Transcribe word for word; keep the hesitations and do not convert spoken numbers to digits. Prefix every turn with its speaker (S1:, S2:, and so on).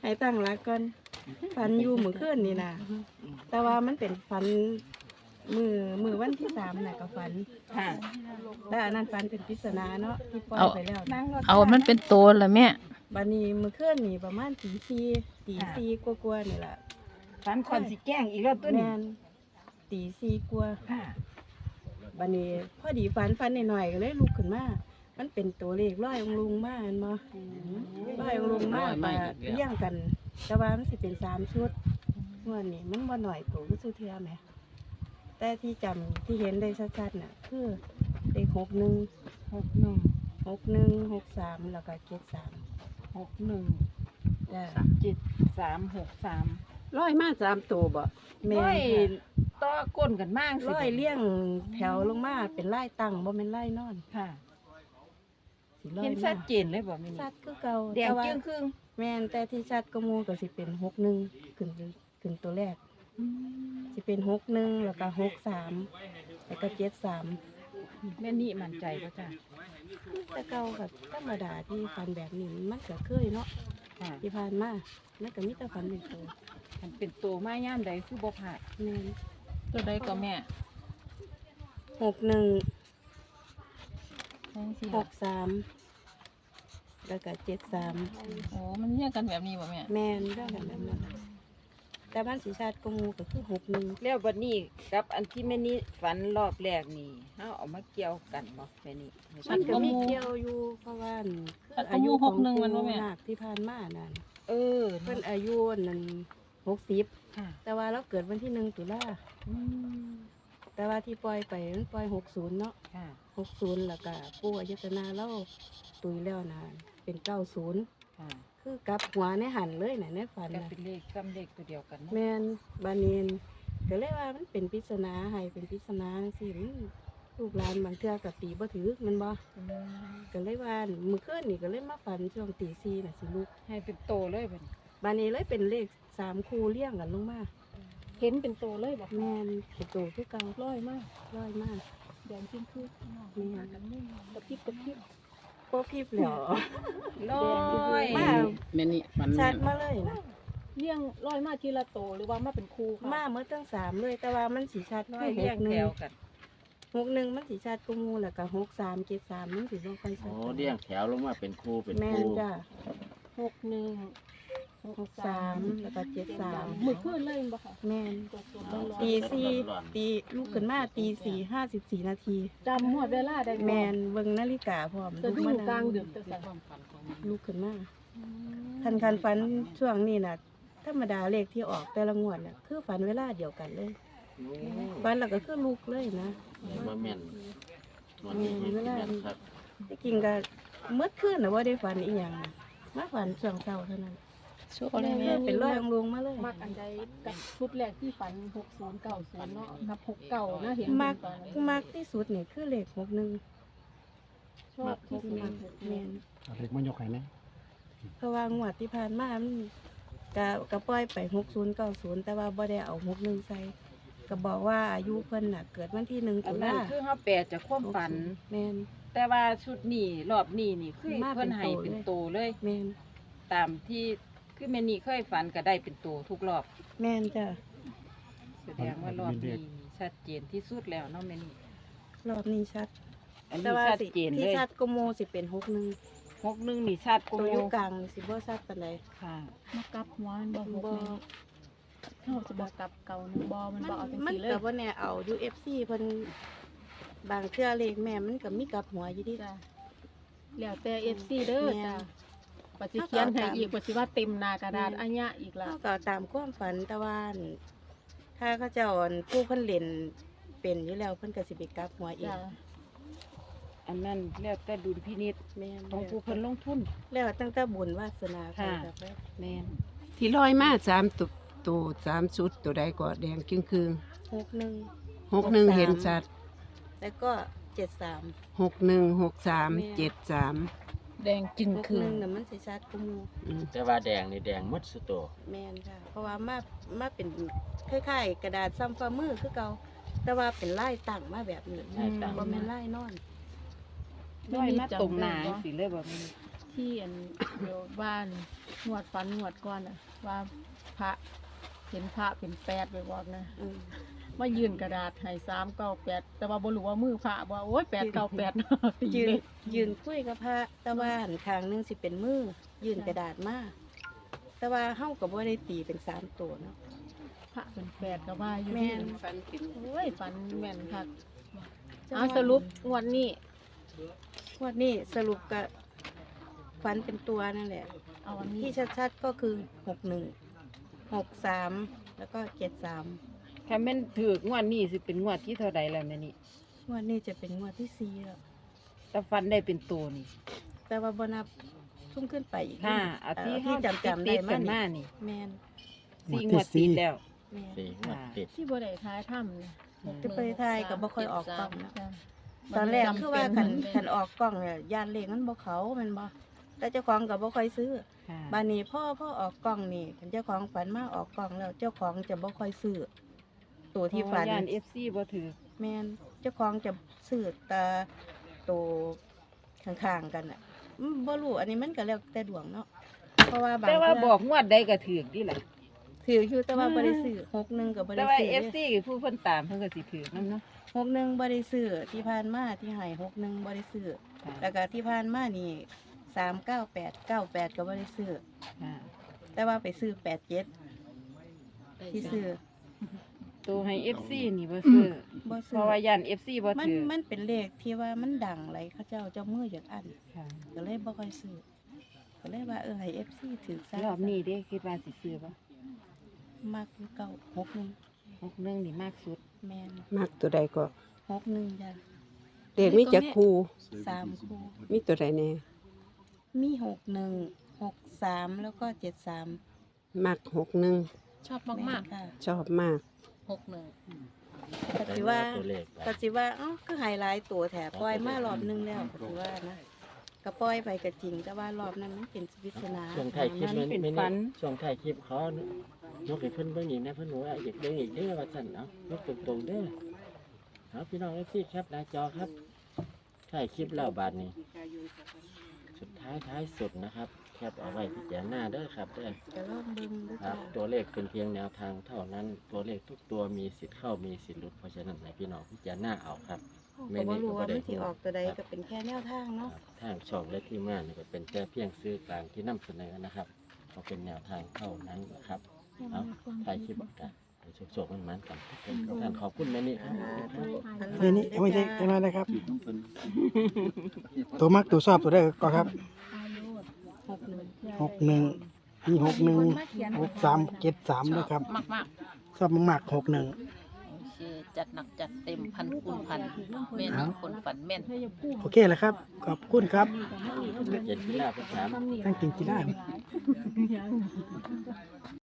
S1: ให้ตั้งหลักก่อนฝันอยู่มื้อคืนนี่นะแต่ว่ามันเป็นฝันมือมือวันที่สามน่ะก็ฝัน
S2: ค่ะ
S1: แต่อันนั้นฝันเป็นปริศนาเนาะที่ปล่อยไปแล้ว
S2: นั่งรถ
S3: เอามันเป็นโตละแม่
S1: บัดนี้มื้อคืนนี่ประมาณตีสี่ตีสี่กว่าๆนี่ล่ะ
S2: ฝันคนสิแกล้งอีกแล้วตัวนี้
S1: แม่นตีสี่กว่า
S2: ค่ะ
S1: บัดนี้พอดีฝันฝันหน่อยๆก็เลยลุกขึ้นมามันเป็นตัวเลขร้อยองค์ลุงมาเห็นบ่ร้อยองค์ลุงมาไปเลี้ยงกัน แต่ว่ามันสิเป็นสามชุดงวดนี้มันบ่หน่อยตัวคือสุเทื่อแหมแต่ที่จำที่เห็นได้ชัดๆน่ะคือเลขหกหนึ่ง
S2: หกหนึ่ง
S1: หกหนึ่งหกสามแล้วก็เจ็ดสาม
S2: หกหนึ่ง
S1: จ้ะ
S2: เจ็ดสามหกสาม
S4: ร้อยมาสามตัวบ่
S1: แม่
S2: ร้อย
S1: น
S2: ต่อก้นกันมาก
S1: ค่ะร้อยเลี้ยงแถวลงมาเป็นไล่ตั้งบ่แม่นไล่นอน
S2: ค่ะ
S1: สิร้อ
S2: เห็
S1: ย
S2: น
S1: มา
S2: ชัดเจนเลยบ่แม่
S1: ชั
S2: นี่
S1: ดคือเก่า
S2: แดง
S1: แต่ว่า
S2: จึ้งครึ่ง
S1: แม่นแต่ที่ชัดก็หมูก็สิเป็นหกหนึ่งขึ้นขึ้นตัวแรกสิเป็นหกหนึ่งแล้วก็หกสามแล้วก็เจ็ดสาม
S2: แม่นี่มั่นใจป่ะจ้ะ
S1: แต่เก่ากับธรรมดาที่ฟันแบบนี้มันก็เคยเนาะ
S2: ค่ะ
S1: ที่ผ่านมามันก็มีแต่ฟันเป็นตัว
S2: มันเป็นตัวไม้ย่ามใดคือบ่ผ่าด
S1: แม่น
S3: ตัวใดก็แม่
S1: หกหนึ่ง
S3: แม่นสิ
S1: หกสามแล้วก็เจ็ดสาม
S3: โอ้มันเรียกกันแบบนี้บ่แม่
S1: แม่นได้แบบนั้นนะแต่บ้านสีชาติก็หมูก็คือหกหนึ่ง
S2: แล้วบัดนี้กับอันที่แม่นี่ฝันรอบแรกนี่เฮาเอามาเกี่ยวกันบ่แม่นี่
S1: มันก็มีเกี่ยวอยู่เพราะว่าคืออายุของปู่นาคที่ผ่านมานั่น
S2: เออ
S1: เพิ่นอายุนั่นหกสิบ
S2: ค่ะ
S1: แต่ว่าเราเกิดวันที่หนึ่งตุลา
S2: อืม
S1: แต่ว่าที่ปล่อยไปมันปล่อยหกศูนย์เนาะ
S2: ค่ะ
S1: หกศูนย์แล้วก็ปู่อายตนาเราตุยแล้วนะเป็นเก้าศูนย์
S2: ค่ะ
S1: คือกลับหัวในหันเลยน่ะในฝัน
S2: ก็
S1: น่ะ
S2: เป็นเลขซ้ำเลขตัวเดียวกันเนาะ
S1: แม่นบานีนก็เลยว่ามันเป็นปริศนาให้เป็นปริศนาสิมันลูกหลานบางเทื่อก็ตีบ่ถือแมันบ่
S2: อืม
S1: ก็เลยว่ามื้อคืนนี่ก็เลยมาฝันช่วงตีสี่น่ะสิลูก
S2: ให้เป็นโตเลยบัดนี้
S1: บานี้เลยเป็นเลขสามคู่เรียงกันลงมา
S4: เห็นเป็นตัวเลยบ่
S1: แม่นเป็นตัวคือเก่า
S4: ร้อยมาก
S1: ร้อยมาก
S4: แดงจึ้งคือ
S1: แม่น
S4: กระพริบกระพริบ
S1: โป๊พิบแล้ว
S2: ร้อย
S1: มา
S5: แม่นี่มัน
S1: ชั
S5: แม่
S1: ด
S5: น
S1: มาเลยนะ
S4: เลี้ยงร้อยมาทีละตัวหรือว่ามาเป็นคู่ค่ะ
S1: มาเมื่อตั้งสามเลย แต่ว่ามันสีชัด
S2: ร้อ
S1: คื
S2: ย
S1: อห
S2: เรีย
S1: ก
S2: ง
S1: หนึ่
S2: แถ
S1: ง
S2: วกัน
S1: หกหนึ่งมันสีชัดกูมูแล้วก็หกสามเจ็ดสามมันสีลงไปชั
S5: โอ้
S1: ด
S5: เลี้ยงแถวลงมาเป็นคู่เป็น
S1: แม่
S5: คู่
S1: นจ้ะ
S4: หกหนึ่ง
S1: หกสามแล้วก็เจ็ดสาม
S4: มือขึ้นเลยบ่ค่ะ
S1: แม่น
S4: ตัวตัวร้อน
S1: ตีสี่ตีลูกขึ้นมาตีสี่ห้าสิบสี่นาที
S4: จำหมดเวลาได้บ่
S1: แมนเบิ่งนาฬิกาพร้อม
S4: จะดู
S1: ม
S4: กลางดึกจะสั่น
S1: ลูกขึ้นมาคันคันฝันช่วงนี้น่ะธรรมดาเลขที่ออกแต่ละงวดน่ะคือฝันเวลาเดียวกันเลยฝันแล้วก็คือลูกเลยนะ
S5: มาแม่นวันนี้เห็นแม่นครับ
S1: ที่จริงก็เมื่อคืนน่ะว่าได้ฝันอีหยังมาฝันช่วงเช้าเท่านั้น
S3: โชว์เลยแม่
S1: เป็นร้อยองค์ลงมาเลย
S4: มักอันใดกับชุดแรกที่ฝันหกศูนย์เก้าศูนย์เนาะกับหกเก้านะเห็น
S1: มัก
S4: ตอนนั้น
S1: มักที่สุดนี่คือเลขหกหนึ่ง
S4: ชอบที่สุด
S1: มักแม่น
S5: เล็กมันยกไข่ไหม
S1: เพราะว่างวดที่ผ่านมามันก็ก็ปล่อยไปหกศูนย์เก้าศูนย์แต่ว่าบ่ได้เอาหกหนึ่งใส่ก็บอกว่าอายุเพิ่นน่ะเกิดวันที่หนึ่ง
S2: อั
S1: ตุ
S2: นนั้น
S1: ลา
S2: คือเฮาแปลจากความฝัน
S1: แม่น
S2: แต่ว่าชุดนี้รอบนี้นี่คือ
S1: มาเป็น
S2: เพิ่นให้เป็นโตเลย
S1: แม่น
S2: ตามที่คือแม่นี่เคยฝันก็ได้เป็นโตทุกรอบ
S1: แม่นจ้ะ
S2: แสดงว่ารอบนี้ชัดเจนที่สุดแล้วเนาะแม่นี่
S1: รอบนี้ชัด
S2: อัน
S1: แต่
S2: นี้
S1: ว่า
S2: ชัด
S1: สิ
S2: เจน
S1: ที่
S2: เลย
S1: ชัดก็โมสิเป็นหกหนึ่ง
S2: หกหนึ่งนี่ชัดก
S1: ตัว
S2: ว่า
S1: อยู่กลางนี่สิบ่ชัดปานใด
S2: ค่ะ
S4: มากลับหัวมันบ่หก
S1: บ่
S4: เลยเขาจะบอกกลับเก่านะบ่มัน
S1: มัน
S4: บ่เอาจัง
S1: มัน
S4: ซี่เล
S1: ก็
S4: ย
S1: บ่แน่เอา ยู เอฟ ซี เพิ่นบางเทื่อเลขแม่มันก็มีกลับหัวอยู่ดิ
S4: จ้ะแล้วแต่ เอฟ ซี เด้อ
S1: แม่น
S4: จ้ะปฏิเขียนให้อีกปฏิว่าเต็มหน้ากระดาษ
S1: แม่น
S4: อัญญะอีกละ
S1: เฮาก็ตามความฝันแต่ว่าอั่นถ้าเขาเจ้าอั่นผู้เพิ่นเล่นเป็นอยู่แล้วเพิ่นก็สิไปกลับหัวเอง
S4: จ้ะ
S2: อันนั้นแล้วแต่ดุลพินิจ
S1: แม่น
S2: ของผู้เพิ่นลงทุน
S1: แล้วตั้งแต่บุญวาสนาไป
S2: ค่ะ
S1: กับแม่
S2: แม่น
S4: ที่ร้อยมาสามตัวตัวสามชุดตัวใดก็แดงจึงคือ
S1: หกหนึ่ง
S4: หกหนึ่งเห็นชัด
S1: แล้วก็เจ็ดสาม
S4: หกหนึ่งหกสาม
S1: แม่
S4: เจ็ดสาม
S3: แดงจึง
S1: หก
S3: คื
S1: ห
S3: อ
S1: นึ่งน่ะมันสิชัดกูมู
S5: แต่ว่าแดงนี่แดงหมดสุดโต
S1: แม่นค่ะ เพราะว่ามามาเป็นคล้ายๆกระดาษซ้ำฝ่ามือคือเก่าแต่ว่าเป็นลายตั้งมาแบบนี้
S5: ใช่ต่าง
S1: บ่แม่นลายนอน
S2: ร้อยมาตรงหนาสิเลยบ่แม่น
S1: ท
S4: ที่อัน เดี๋ยวบ้านงวดฝันงวดก่อนน่ะ ว่าพระเห็นพระเป็นแปดไปบอกนะ
S1: อืม
S4: มายื่นกระดาษให้สามเก้าแปดแต่ว่าบ่รู้ว่ามือพระว่าโอ๊ยแปดเก้าแปดตี
S1: ยืน
S4: เลย
S1: ยืนคุยกับพระแต่ว่าหันข้างหนึงสิเป็นมือยืนกระดาษมาแต่ว่าเฮาก็บ่ได้ตีเป็นสามตัวเนาะ
S4: พระเป็นแปดก็ว่าอยู่
S1: แม่น
S4: ฝันเป็นโอ้ยฝันแม่นคักเอาสรุปงวดนี้
S1: งวดนี้สรุปก็ฝันเป็นตัวนั่นแหละ
S4: เอาอันนี้
S1: ที่ชัดๆก็คือหกหนึ่งหกสามแล้วก็เจ็ดสาม
S2: ถ้าแม่นถือกงวดนี้สิเป็นงวดที่เท่าใดแล้วแม่นี่
S1: งวดนี้จะเป็นงวดที่สี่แล้ว
S2: ถ้าฟันได้เป็นตัวนี่
S1: แต่ว่าบนับทุ่มขึ้นไปอีก
S2: ห้าอาทิตย์
S1: ที่
S2: เฮา
S1: จำจำ
S2: ติ
S1: ได้
S2: ดๆกัน
S1: มา
S2: มา
S1: นี่
S2: นี่
S1: แมน
S2: สี่งวดติดแล้ว
S1: แมน
S5: สี่งวดติด
S4: ที่บ่ได้ท้ายถ้ำนะ
S1: จะไปไทยกับบ่ค่อยออกกล้องนะ
S4: จ้ะ
S1: ตอนแรก
S4: จำ
S1: คือว่า
S4: เป็
S1: ขัน
S4: น
S1: ขันออกกล้องเนี่ยยานเลขมันบ่เขาแมันบ่แต่เจ้าของกับบ่ค่อยซื้อ
S2: ค่ะ
S1: บานนี้พ่อพ่อออกกล้องนี่คันเจ้าของฝันมาออกกล้องแล้ว เจ้าของจะบ่ค่อยซื้อตัวที่ฝัน
S2: ย่าน เอฟ ซี บ่ถือ
S1: แมนเจ้าของจะซื้อแตาตัวข้างๆกันอ่ะอืมบ่รู้อันนี้มันก็แล้วแต่ดวงเนาะเพราะว่าบาง
S2: แต่ว่า
S1: เทื่
S2: บอกงวดใดก็ถือกนี่แหละ
S1: ถืออยู่แต่ว่าบ่ได้ซื้อหกหนึ่งก็บ่
S2: แต่
S1: ได้
S2: ว่า
S1: ซื้อ
S2: เอฟซีผู้เพิ่นตามเพิ่นก็สิถือนํเนาะ
S1: หกหนึ่งบ่ได้ซื้อที่ผ่านมาที่ให้หกหนึ่งบ่ได้ซื้อ
S2: ค่ะ
S1: แล้วก็ที่ผ่านมานี่สามเก้าแปดเก้าแปดก็บ่ได้ซื้อ
S2: ค่ะ
S1: แต่ว่าไปซื้อแปดเจ็ดที่ซื้อ
S2: ตัวให้ เอฟ ซี นี่บ่ซื้อ
S1: บ่
S2: เพ
S1: ซื้อ
S2: ราะว่าย่าน เอฟ ซี บ่
S1: มัน
S2: ถือ
S1: มันเป็นเลขที่ว่ามันดังไหลเขาเจ้าเจ้ามืออยากอัน
S2: ค่ะ
S1: ก็เลยบ่ค่อยซื้อก็เลยว่าเออให้ เอฟ ซี ถือซะ
S2: รอบนี้เด้คิดว่าสิซื้อบ่
S1: มากคือเก่าหกหนึ่ง
S2: หกหนึ่งนี่มากสุด
S1: แม่น
S6: มักตัวใดก็
S1: หกหนึ่งจ้ะ
S6: เด็กมีจักครู
S1: สามคู่
S6: มีตัวใดแน่
S1: มีหกหนึ่งหกสามแล้วก็เจ็ดสาม
S6: มักหกหนึ่ง
S3: ชอบมาก
S1: ค่ะ
S6: ชอบมาก
S3: ๆหกหนึ่ง
S1: ก็สิว่า
S5: ตัวเลขไป
S1: ก็สิว่าเอ้าคือไฮไลท์ตัวแถบปล่อยมารอบนึงแล้วก็สิว่านะก็ปล่อยไปก็จริง แต่ว่ารอบนั้นมันเป็นปริศนา
S5: ช่วงท้ายคลิป
S2: มั
S5: มัน น
S2: เป็น
S5: ไม่
S2: ฝั
S5: นี่
S2: น
S5: ช่วงท้ายคลิปเขายกให้เพิ่นเบิ่งอีกนะเพิ่นบอกว่าอยากเบิ่งอีกเด้อว่าซั่นเนาะยกตรงๆเด้อเอาพี่น้องเอฟซีแคปหน้าจอครับท้ายคลิปแล้วบาดนี้ สุดท้ายท้ายสุดนะครับแคปเอาไว้พิจารณาเด้อครับเด้อ
S1: จะลองเบิ่งดู
S5: ครั
S1: จ้ะ
S5: บตัวเลขเป็นเพียงแนวทางเท่านั้น ตัวเลขทุกตัวมีสิทธิ์เข้ามีสิทธิ์หลุดเพราะฉะนั้นให้พี่น้องพิจารณาเอาครับ
S1: ก็บ่รู้ว่ามันสิออกตัวใดก็เป็นแค่แนวทางเนาะ
S5: ทางช่องและทีมงานนี่ก็เป็นแค่เพียงซื้อกลางที่นำเสนอนะครับก็เป็นแนวทางเท่านั้นนะครับเอาถ่ายคลิปกันโชคๆมันมันๆกันท่านขอบคุณแม่นี่ครับ
S7: เอ้ยนี่เอาไม่ใช่เอามาเลยครับ ตัวมักตัวชอบตัวได้ก็ครับ
S1: หกหนึ่ง
S7: หกหนึ่งมีหกหนึ่งหกสามเจ็ดสามด้วยครับ
S3: มากมาก
S7: ชอบมากๆหกหนึ่ง
S3: ๆโอเคจัดหนักจัดเต็มพันคูณพันแม่นงคนฝันแม่น
S7: โอเคแล้วครับ ขอบคุณครับ
S5: เจ็ดพิลาภาษา
S7: ทั้งกินกีฬา